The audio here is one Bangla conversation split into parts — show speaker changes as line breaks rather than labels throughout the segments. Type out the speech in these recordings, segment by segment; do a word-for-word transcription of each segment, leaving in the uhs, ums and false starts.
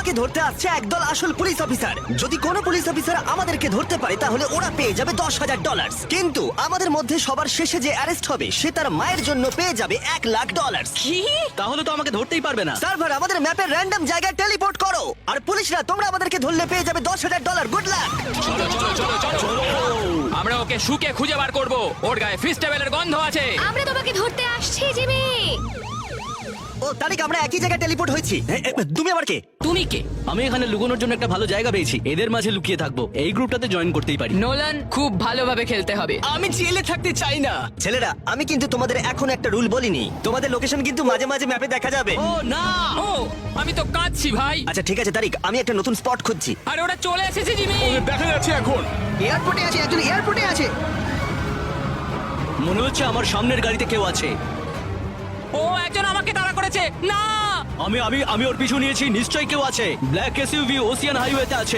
আমাকে ধরতে আসছে একদল আসল পুলিশ অফিসার। যদি কোনো পুলিশ অফিসার আমাদেরকে ধরতে পারে তাহলে ওরা পেয়ে যাবে দশ হাজার ডলার। কিন্তু আমাদের মধ্যে সবার শেষে যে অ্যারেস্ট হবে সে তার মায়ের জন্য পেয়ে যাবে এক লাখ ডলার।
কি? তাহলে তো আমাকে ধরতেই পারবে না।
সার্ভার আমাদের ম্যাপের র্যান্ডম জায়গায় টেলিপোর্ট করো, আর পুলিশরা তোমরা আমাদেরকে ধরলে পেয়ে যাবে দশ হাজার ডলার। Good luck.
চলো চলো চলো চলো আমরা ওকে শুকে খুঁজে বার করব। ওর গায়ে ফিস্টেবলের গন্ধ আছে।
আমরা তোমাকে ধরতে আসছি জিমি।
ও তারিখ আমরা একই জায়গায় টেলিপোর্ট হয়েছি। এ, এ, তুমি আবার কে?
তুমি কে?
আমি এখানে লুকোনোর জন্য একটা ভালো জায়গা পেয়েছি, এদের মাঝে লুকিয়ে থাকবো। এই গ্রুপটাতে জয়েন করতেই পারি।
নোলান, খুব ভালোভাবে খেলতে হবে।
আমি জেলে থাকতে চাই না।
ছেলেরা আমি কিন্তু তোমাদের এখন একটা রুল বলিনি, তোমাদের লোকেশন কিন্তু মাঝে মাঝে ম্যাপে দেখা যাবে।
ও না,
ও আমি তো কাঁদছি ভাই।
আচ্ছা ঠিক আছে তারিক, আমি একটা নতুন স্পট খুঁজছি।
আরে ওরা চলে এসেছে জিমি।
দেখা যাচ্ছে এখন।
এয়ারপোর্টে আছে, একজন এয়ারপোর্টে আছে।
মনে হচ্ছে আমার সামনের গাড়িতে কেউ আছে।
ও একজন আমাকে তাড়া করেছে। না
আমি আমি আমি ওর পিছু নিয়েছি, নিশ্চয়ই কেউ আছে। ব্ল্যাক এসইউভি ওসিয়ান হাইওয়েতে আছে।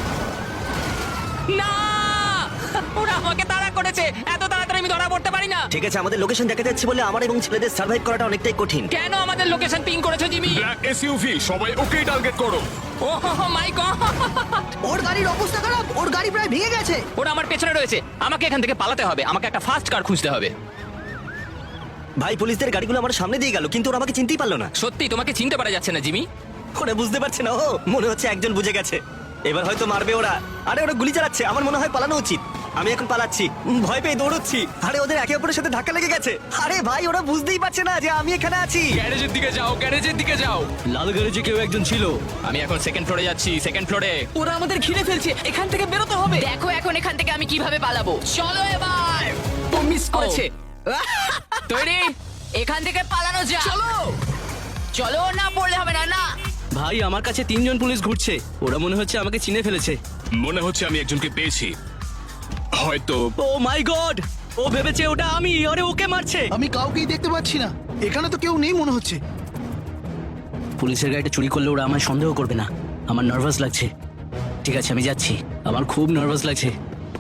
না ওরা আমাকে তাড়া করেছে। এত তাড়াতাড়ি আমি ধরা পড়তে পারি না।
ঠিক আছে, আমাদের লোকেশন দেখা যাচ্ছে বলে আমার এবং ছেলেদের সার্ভাইভ করাটা অনেকটাই কঠিন।
কেন আমাদের লোকেশন পিং করেছো জিমি?
ব্ল্যাক এসইউভি, সবাই ওকেই টার্গেট করো।
ও মাই গড,
ওর গাড়ির অবস্থা খারাপ, ওর গাড়ি প্রায় ভেঙে গেছে।
ওরা আমার পেছনে রয়েছে। আমাকে এখান থেকে পালাতে হবে। আমাকে একটা ফাস্ট কার খুঁজতে হবে।
ভাই পুলিশদের গাড়িগুলো আমার সামনে দিয়ে গেল, কিন্তু ওরা আমাকে চিনতেই পারলো না।
সত্যি তোমাকে চিনতে পারা যাচ্ছে না জিমি।
ওরা বুঝতে পারছে না। ও মনে হচ্ছে একজন বুঝে গেছে, এবার হয়তো মারবে ওরা। আরে ওরা গুলি চালাচ্ছে, আমার মনে হয় পালানো উচিত। আমি এখন পালাচ্ছি, উম, ভয় পেয়ে দৌড়চ্ছি। আরে ওদের একে অপরের সাথে ধাক্কা লেগে গেছে। আরে ভাই ওরা বুঝতেই পারছে না যে আমি এখানে আছি।
গ্যারেজের দিকে যাও, গ্যারেজের দিকে যাও।
লাল গ্যারেজে কেউ একজন ছিল।
আমি এখন সেকেন্ড ফ্লোরে যাচ্ছি, সেকেন্ড ফ্লোরে।
ওরা আমাদের ঘিরে ফেলছে, এখান থেকে বেরোতে হবে। দেখো এখন এখান থেকে আমি কিভাবে পালাবো। চলো এবার। ও মিস করেছে।
তৈরি?
এখান থেকে পালানো যা। চলো চলো, না পড়লে হবে না। না
ভাই আমার কাছে তিনজন পুলিশ ঘুরছে, ওরা মনে হচ্ছে আমাকে চিনে ফেলেছে।
মনে হচ্ছে আমি একজনকে পেয়েছি, হয়তো।
ও মাই গড, ও ভেবেছে ওটা আমি। আরে ওকে মারছে।
আমি কাউকেই দেখতে পাচ্ছি না, এখানে তো কেউ নেই মনে হচ্ছে।
পুলিশের গাড়িটা চুরি করলে ওরা আমায় সন্দেহ করবে না। আমার নার্ভাস লাগছে। ঠিক আছে আমি যাচ্ছি, আমার খুব নার্ভাস লাগছে।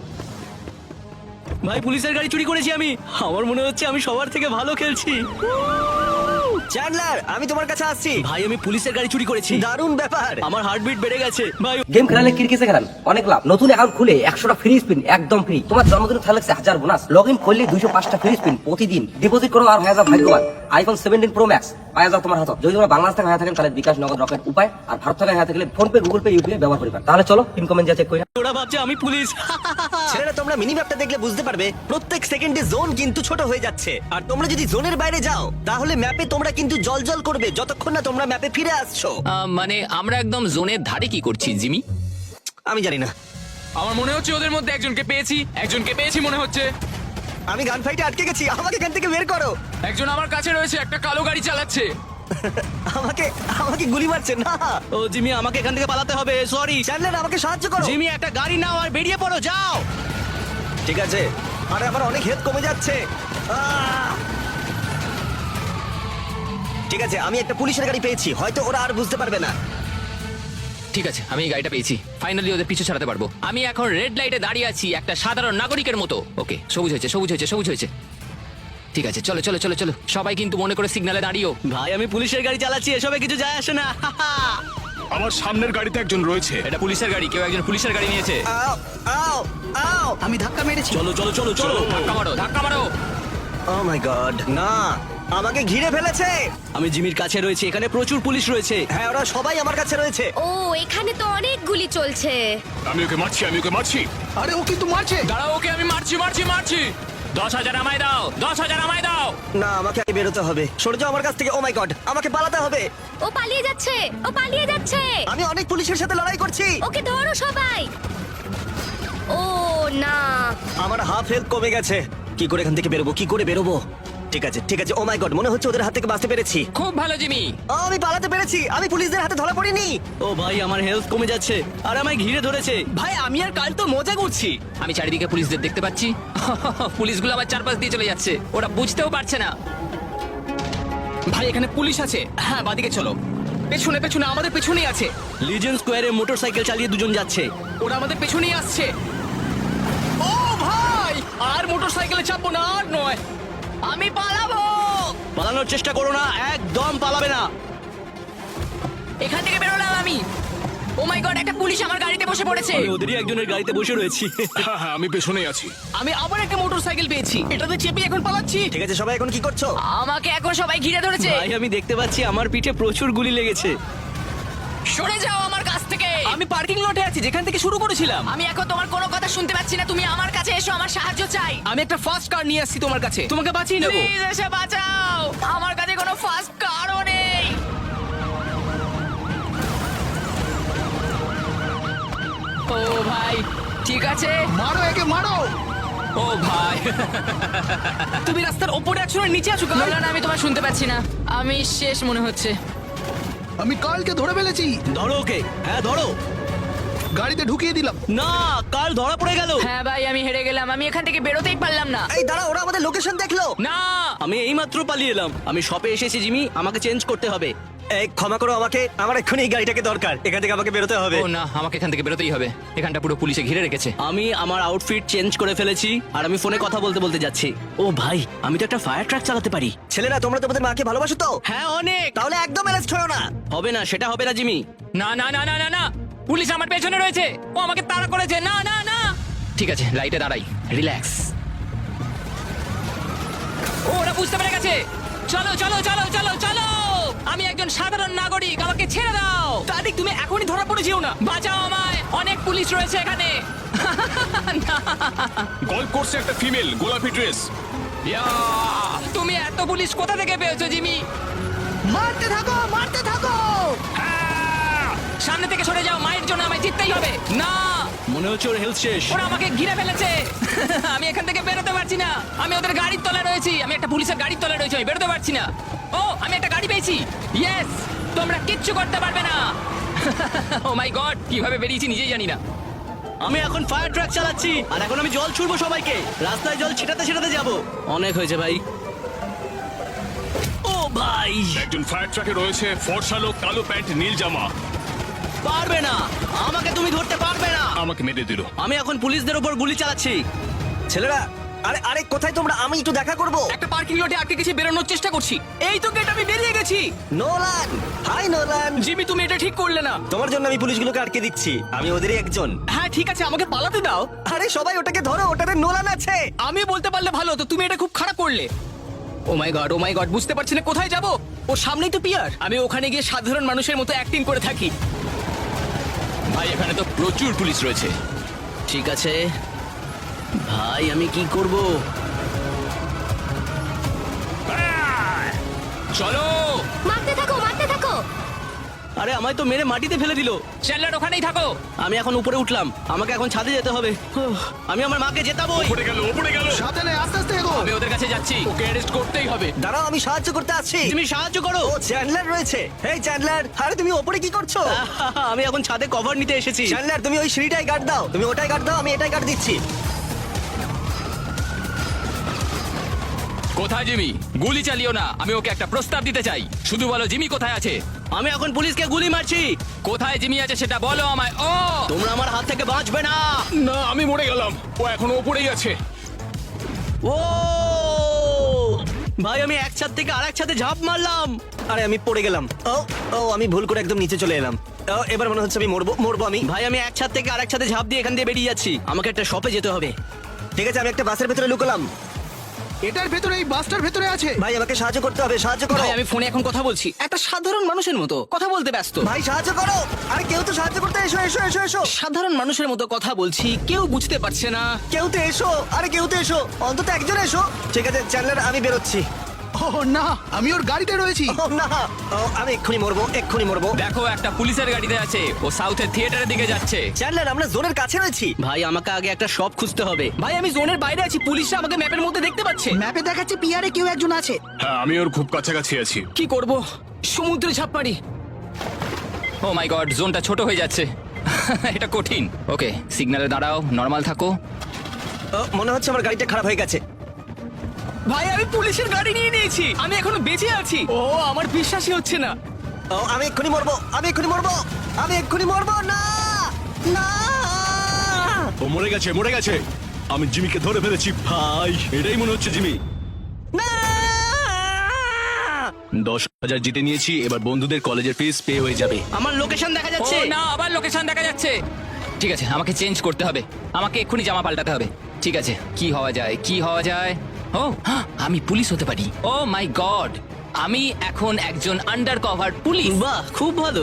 ভাই পুলিশের গাড়ি চুরি করেছি আমি। আমার মনে হচ্ছে আমি সবার থেকে ভালো খেলছি।
চ্যান্ডলার আমি তোমার কাছে আসছি।
ভাই আমি পুলিশের গাড়ি চুরি করেছি।
দারুণ ব্যাপার।
আমার হার্টবিট বেড়ে গেছে ভাই।
গেম খেলালে কিরকিসে খেলান অনেক লাভ। নতুন অ্যাকাউন্ট খুলে একশোটা ফ্রি স্পিন একদম ফ্রি। তোমার জন্মদিনে থাকছে হাজার বোনাস। লগ ইন করলে দুইশো পাঁচটা ফ্রি স্পিন প্রতিদিন। ডিপোজিট করো আর হয়ে যাও ভাগ্যবান। আইফোন সেভেন্টিন প্রো ম্যাক্স পাওয়া যাও তোমার হাতে। যদি তোমরা বাংলাদেশ থেকে হয়ে থাকেন তাহলে বিকাশ, নগদ, রকেট উপায়। আর ভারত থেকে হয়ে থাকলে PhonePe, Google Pay, UPI ব্যবহার করবেন। তাহলে চলো ইনকমেন্ট যা চেক করি।
ওরা ভাবছে আমি পুলিশ।
ছেলেরা তোমরা মিনি ম্যাপটা দেখলে বুঝতে পারবে প্রত্যেক সেকেন্ডে জোন কিন্তু ছোট হয়ে যাচ্ছে। আর তোমরা যদি জোনের বাইরে যাও তাহলে ম্যাপে তোমরা কিন্তু জলজল করবে যতক্ষণ না তোমরা ম্যাপে ফিরে আসছো।
আহ, মানে আমরা একদম জোনের ধারে কি করছি জিমি?
আমি জানি না,
আমার মনে হচ্ছে ওদের মধ্যে একজনকে পেয়েছি। একজনকে পেয়েছি মনে হচ্ছে।
আমি গান ফাইটে আটকে গেছি, আমাকে এখান থেকে বের করো।
একজন আমার কাছে রয়েছে, একটা কালো গাড়ি চালাচ্ছে।
আমাকে আমাকে গুলি মারছে না।
ও জিমি আমাকে এখান থেকে পালাতে হবে। সরি
চ্যান্ডলার আমাকে সাহায্য করো।
জিমি, একটা গাড়ি নাও আর বেরিয়ে পড়ো, যাও।
ঠিক আছে, আরে আমার অনেক হেড কমে যাচ্ছে। আহ! ঠিক আছে আমি একটা পুলিশের গাড়ি পেয়েছি, হয়তো ওরা আর বুঝতে পারবে না।
ঠিক আছে আমি এই গাড়িটা পেয়েছি। ফাইনালি ওদের পিছু ছাড়াতে পারবো। আমি এখন রেড লাইটে দাঁড়িয়ে আছি একটা সাধারণ নাগরিকের মতো। ওকে সবুজ হয়েছে, সবুজ হয়েছে, সবুজ হয়েছে। ঠিক আছে চলো চলো চলো চলো। সবাই কিন্তু মনে করে সিগন্যালে দাঁড়িয়েও।
ভাই আমি পুলিশের গাড়ি চালাচ্ছি, এসবে কিছু যায় আসে না।
আমার সামনের গাড়িতে একজন রয়েছে।
এটা পুলিশের গাড়ি, কেউ একজন পুলিশের গাড়ি নিয়েছে।
আও আও আও
আমি ধাক্কা মেরেছি।
চলো চলো চলো চলো।
ধাক্কা মারো, ধাক্কা মারো।
ও মাই গড, না আমাকে ঘিরে ফেলেছে।
আমি জিমির কাছে রয়েছে, এখানে প্রচুর পুলিশ রয়েছে।
হ্যাঁ ওরা সবাই আমার কাছে রয়েছে।
ও এখানে তো অনেক গুলি চলছে।
আমি ওকে মারছি, আমি ওকে মারছি।
আরে ও কিন্তু মারছে।
দাঁড়াও, ওকে আমি মারছি মারছি মারছি। দশ হাজার আমায় দাও, দশ হাজার আমায় দাও।
না আমাকে আগে বেরোতে হবে, সরে যাও আমার কাছ থেকে। ও মাই গড, আমাকে পালাতে হবে।
ও পালিয়ে যাচ্ছে, ও পালিয়ে যাচ্ছে।
আমি অনেক পুলিশের সাথে লড়াই করছি।
ওকে ধরো সবাই। ও না,
আমার হাফ হেলথ কমে গেছে। কি করে এখান থেকে বেরোবো, কি করে বেরোবো? ঠিক আছে ঠিক আছে, ও মাই গড, মনে হচ্ছে ওদের হাত থেকে বাঁচতে পেরেছি।
খুব ভালো জিমি।
ও, আমি পালাতে পেরেছি, আমি পুলিশদের হাতে ধরা পড়িনি।
ও ভাই আমার হেলথ কমে যাচ্ছে আর আমায় ঘিরে ধরেছে। ভাই আমি আর কাল তো মজা করছি।
আমি চারিদিকে পুলিশদের দেখতে পাচ্ছি। পুলিশগুলো আমার চারপাশ দিয়ে চলে যাচ্ছে, ওরা বুঝতেও পারছে না।
ভাই এখানে পুলিশ আছে। হ্যাঁ বাদিকে চলো। পেছনে পেছনে আমাদের পেছনেই আছে।
লিজেন স্কোয়ারে মোটরসাইকেল চালিয়ে দুজন যাচ্ছে।
ওরা আমাদের পেছনেই আসছে। ও ভাই, আর মোটরসাইকেলে চাপবো না, আর নয়। আমি পালাবো।
পালানোর চেষ্টা করো না, একদম পালাবে না।
এখান থেকে বেরোলাম আমি। গড একটা পুলিশ আমার গাড়িতে বসে পড়েছে
আমি ওদেরই একজনের গাড়িতে বসে রয়েছি
হ্যাঁ হ্যাঁ আমি পেছনেই আছি।
আমি আবার একটা মোটরসাইকেল পেয়েছি এটাতে চেপে এখন পালাচ্ছি
ঠিক আছে সবাই এখন কি করছো?
আমাকে এখন সবাই ঘিরে ধরেছে
ভাই আমি দেখতে পাচ্ছি আমার পিঠে প্রচুর গুলি লেগেছে।
সরে যাও আমার কাছ থেকে
আমি পার্কিং লটে আছি যেখান থেকে শুরু করেছিলাম।
আমি এখন তোমার কোনো কথা শুনতে পাচ্ছি না তুমি আমার কাছে এসো আমার সাহায্য চাই
আমি একটা ফার্স্ট কার নিয়ে আসছি তোমার কাছে, তোমাকে বাঁচিয়ে নেবো।
প্লিজ এসে বাঁচাও আমার কাছে কোনো ফাস্ট কারও নেই ও ভাই ঠিক আছে
মারো একে মারো।
ও ভাই
তুমি রাস্তার ওপরে আছো না নিচে আছো?
না না না, আমি তোমার শুনতে পাচ্ছি না আমি শেষ মনে হচ্ছে
আমি কালকে ধরে ফেলেছি,
ধরো ওকে, হ্যাঁ ধরো।
গাড়িতে ঢুকিয়ে দিলাম।
না কাল ধরা পড়ে গেল।
হ্যাঁ ভাই আমি হেরে গেলাম আমি এখান থেকে বেরোতেই পারলাম না
এই দাঁড়া, ওরা আমাদের লোকেশন দেখলো।
না
আমি এইমাত্র পালিয়ে এলাম। আমি শপে এসেছি জিমি, আমাকে চেঞ্জ করতে হবে।
এই ক্ষমা করো আমাকে, আমার এক্ষুনি এই গাড়িটাকে দরকার, এখান থেকে আমাকে বেরোতে হবে।
ও না আমাকে এখান থেকে বেরোতেই হবে, এখানটা পুরো পুলিশে ঘিরে রেখেছে।
আমি আমার আউটফিট চেঞ্জ করে ফেলেছি আর আমি ফোনে কথা বলতে বলতে যাচ্ছি। ও ভাই আমি তো একটা ফায়ার ট্রাক চালাতে পারি।
ছেলেরা তোমরা তোমাদের মাকে ভালোবাসো তো?
হ্যাঁ অনেক।
তাহলে একদম অ্যারেস্ট হয়ো না।
হবে না, সেটা হবে না জিমি।
না না না না না না পুলিশ আমার পেছনে রয়েছে, ও আমাকে তাড়া করেছে। না না না ঠিক আছে লাইটে দাঁড়াই, রিল্যাক্স। ও ওরা বুঝতে পেরে গেছে। চলো চলো চলো চলো চলো, আমি একজন সাধারণ নাগরিক, আমাকে ছেড়ে দাও।
তারিক তুমি এখনই ধরা পড়ে যেও না।
বাঁচাও আমায়, অনেক পুলিশ রয়েছে এখানে।
গল্ফ কোর্সে একটা ফিমেল, গোলাপি ড্রেস।
ইয়া, তুমি এত পুলিশ কোথা থেকে পেয়েছো জিমি?
মারতে থাকো মারতে থাকো।
সামনে থেকে সরে যাও, মায়ের জন্য আমায় জিততেই হবে। না
মনে হচ্ছে ওর হেলথ শেষ।
ওরা আমাকে ঘিরে ফেলেছে। আমি এখান থেকে বেরোতে পারছি না, আমি ওদের গাড়ির তলায় রয়েছি, আমি একটা পুলিশের গাড়ির তলায় রয়েছি, আমি বেরোতে পারছি না। ও আমি একটা গাড়ি পেয়েছি, ইয়েস, তোমরা কিচ্ছু করতে পারবে না। ও মাই গড, কিভাবে বেরিয়েছি নিজেই জানি না।
আমি এখন ফায়ার ট্রাক চালাচ্ছি আর এখন আমি জল ছুড়বো সবাইকে, রাস্তায় জল ছিটাতে ছিটাতে যাব। অনেক হয়েছে ভাই। ও ভাই
একজন ফায়ার ট্রাকে রয়েছে ফর্সা লোক, কালো প্যান্ট, নীল জামা।
পারবে না, আমাকে তুমি ধরতে পারবে না।
আমাকে মেরে দিল।
আমি এখন পুলিশদের উপর গুলি চালাচ্ছি।
ছেলেরা আরে আরে কোথায় তোমরা? আমি একটু দেখা করব।
একটা পার্কিং লটে আটকে গেছি বেরোনোর চেষ্টা করছি এই তো গেট আমি বেরিয়ে গেছি
নোলান, হাই নোলান।
জিমি তুমি এটা ঠিক করলে না
তোমার জন্য আমি পুলিশগুলোকে আটকে দিচ্ছি, আমি ওদেরই একজন।
হ্যাঁ ঠিক আছে আমাকে পালাতে দাও
আরে সবাই ওটাকে ধরো, ওটাতে নোলান আছে।
আমি বলতে পারলে ভালো হতো তুমি এটা খুব খারাপ করলে ও my god O my god বুঝতে পারছি না কোথায় যাব ও সামনেই তো পিয়ার আমি ওখানে গিয়ে সাধারণ মানুষের মতো অ্যাক্টিং করে থাকি
ভাই এখানে তো প্রচুর পুলিশ রয়েছে।
ঠিক আছে ভাই আমি কি করব?
চলো
মারতে থাকো মারতে থাকো।
আরে আমায় তো মেরে মাটিতে ফেলে দিল।
চ্যানেলার ওখানেই থাকো।
আমি এখন উপরে উঠলাম, আমাকে এখন ছাদে যেতে হবে। উফ, আমি আমার মাকে জেতাবই।
উপরে গেল উপরে গেল।
সাবধানে আস্তে আস্তে এগো।
আমি ওদের কাছে যাচ্ছি, ওকে অ্যারেস্ট করতেই হবে।
দাঁড়াও আমি সাহায্য করতে আসছি।
তুমি সাহায্য করো।
ও চ্যান্ডলার রয়েছে। হেই চ্যান্ডলার, আরে তুমি ওপরে কি করছো?
আমি এখন ছাদে কভার নিতে এসেছি।
চ্যান্ডলার তুমি ওই সিঁড়িটাই গার্ড দাও, তুমি ওটাই গার্ড দাও, আমি এটাই গার্ড দিচ্ছি।
কোথায় জিমি? গুলি চালিও না, আমি ওকে একটা প্রস্তাব দিতে চাই। শুধু বলো জিমি কোথায় আছে।
আমি এখন পুলিশকে গুলি মারছি।
কোথায় জিমি আছে সেটা বলো আমায়। ও
তোমরা আমার হাত থেকে বাঁচবে না।
না আমি মরে গেলাম, ও এখনো উপরেই আছে।
ও ভাই আমি এক ছাদ থেকে আরেক ছাদে ঝাঁপ মারলাম।
আরে আমি পড়ে গেলাম। ও ও আমি ভুল করে একদম নিচে চলে এলাম। ও, এবার মনে হচ্ছে আমি মরবো মরবো আমি।
ভাই আমি এক ছাদ থেকে আরেক ছাদে ঝাঁপ দিয়ে এখান দিয়ে বেরিয়ে যাচ্ছি, আমাকে একটা শপে যেতে হবে।
ঠিক আছে আমি একটা বাসের ভেতরে লুকলাম।
এটার ভেতরে এই বাসটার ভেতরে আছে।
ভাই আমাকে সাহায্য করতে হবে, সাহায্য করো।
ভাই আমি ফোনে এখন কথা বলছি একটা সাধারণ মানুষের মতো কথা বলতে ব্যস্ত
ভাই সাহায্য করো। আরে কেউ তো সাহায্য করতে এসো এসো এসো এসো।
সাধারণ মানুষের মতো কথা বলছি কেউ বুঝতে পারছে না
কেউ তো এসো, আরে কেউ তো এসো, অন্তত একজন এসো। ঠিক আছে চ্যান্ডলার আমি বেরোচ্ছি।
ও না, আমি ওর গাড়িতে রয়েছি।
ও না, ও আমি এক্ষুনি মরবো এক্ষুনি মরবো।
দেখো একটা পুলিশের গাড়িতে আছে, ও সাউথের থিয়েটারের দিকে যাচ্ছে।
চ্যান্ডলার আমরা জোনের কাছে রয়েছি।
ভাই আমাকে আগে একটা শপ খুঁজতে হবে।
ভাই আমি জোনের বাইরে আছি পুলিশরা আমাকে ম্যাপের মধ্যে দেখতে পাচ্ছে
ম্যাপে দেখাচ্ছে পিয়ারে কেউ একজন আছে।
হ্যাঁ আমি ওর খুব কাছাকাছি আছি।
কি করব সমুদ্রে ঝাঁপ মারি
ও মাই গড, জোনটা ছোট হয়ে যাচ্ছে। এটা কঠিন। ওকে সিগন্যালে দাঁড়াও, নর্মাল থাকো।
ও, মনে হচ্ছে আমার গাড়িটা খারাপ হয়ে গেছে।
ভাই আমি পুলিশের গাড়ি নিয়ে নিয়েছি আমি এখনো বেঁচে আছি ও আমার বিশ্বাসই হচ্ছে না
ও আমি এক্ষুনি মরবো, আমি এক্ষুনি মরবো, আমি এক্ষুনি মরবো। না না
ও মরে গেছে মরে গেছে। আমি জিমিকে ধরে ফেলেছি ভাই, এটাই মনে হচ্ছে জিমি।
না
দশ হাজার জিতে নিয়েছি, এবার বন্ধুদের কলেজের ফিস পে হয়ে যাবে।
আমার লোকেশন দেখা
ও
যাচ্ছে।
না, আবার লোকেশন দেখা যাচ্ছে। ঠিক আছে, আমাকে চেঞ্জ করতে হবে, আমাকে এক্ষুনি জামা পাল্টাতে হবে। ঠিক আছে, কি হওয়া যায়, কি হওয়া যায়? ও হ্যাঁ, আমি পুলিশ হতে পারি। ও মাই গড, আমি এখন একজন আন্ডার কভার পুলিশ।
বাহ, খুব ভালো।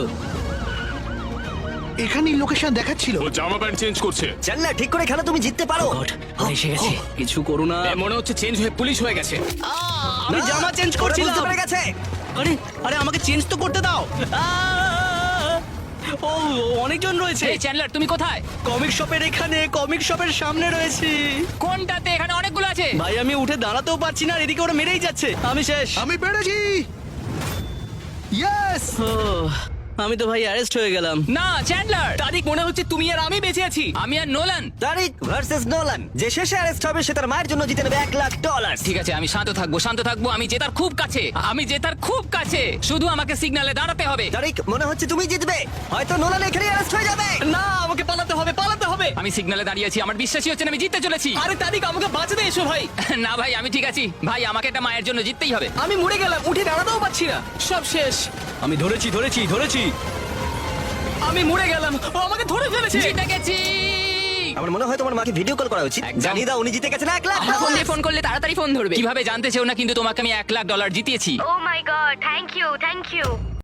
এখানেই লোকেশন দেখাচ্ছিল।
ও জামা প্যান্ট চেঞ্জ করছে।
জানলা ঠিক করে খেলো, তুমি জিততে পারো।
গড, ওরা এসে গেছে। কিছু করো না।
এ মনে হচ্ছে চেঞ্জ হয়ে পুলিশ হয়ে গেছে।
আমি
না,
জামা চেঞ্জ
ওরা
করছিলাম।
বুঝতে পেরে গেছে।
আরে আরে আমাকে চেঞ্জ তো করতে দাও। আহ! ও অনেকজন রয়েছে।
এই চ্যান্ডলার, তুমি কোথায়?
কমিক শপের এখানে, কমিক শপের সামনে রয়েছি।
কোনটাতে? এখানে অনেকগুলো আছে।
ভাই আমি উঠে দাঁড়াতেও পারছি না, আর এদিকে ওরা মেরেই যাচ্ছে। আমি শেষ।
আমি পেরেছি। ইয়েস।
ও, আমি তো ভাই অ্যারেস্ট হয়ে গেলাম।
না চ্যান্ডলার,
তারিখ মনে হচ্ছে তুমি আর আমি বেঁচে আছি।
আমি আর নোলান।
তারিক ভার্সেস নোলান, যে শেষে অ্যারেস্ট হবে সে তার মায়ের জন্য জিতে নেবে এক লাখ ডলার।
ঠিক আছে, আমি শান্ত থাকবো, শান্ত থাকবো। আমি জেতার খুব কাছে, আমি জেতার খুব কাছে। শুধু আমাকে সিগন্যালে দাঁড়াতে হবে।
তারিক মনে হচ্ছে তুমি জিতবে, হয়তো নোলান এখানে অ্যারেস্ট হয়ে যাবে।
না, আমাকে পালাতে হবে, পালাতে হবে।
আমি সিগন্যালে দাঁড়িয়ে আছি, আমার বিশ্বাসই হচ্ছে না আমি জিততে চলেছি।
আরে তারিখ, আমাকে বাঁচাতে এসো ভাই।
না ভাই, আমি ঠিক আছি ভাই, আমাকে এটা মায়ের জন্য জিততেই হবে।
আমি মরে গেলাম, উঠে দাঁড়াতেও পারছি না। সব শেষ।
আমি ধরেছি ধরেছি ধরেছি।
আমি মরে গেলাম, ও আমাকে ধরে ফেলেছে।
জিতে গেছি।
আমার মনে হয় তোমার মাকে ভিডিও কল করা উচিত।
একদম।
জানিয়ে দাও উনি জিতে গেছেন এক লাখ
আমার ফোন
ডলার।
দিয়ে ফোন করলে তাড়াতাড়ি ফোন ধরবে। কিভাবে জানতে চেও না, কিন্তু তোমাকে আমি এক লাখ ডলার জিতিয়েছি।
Oh my god, thank you thank you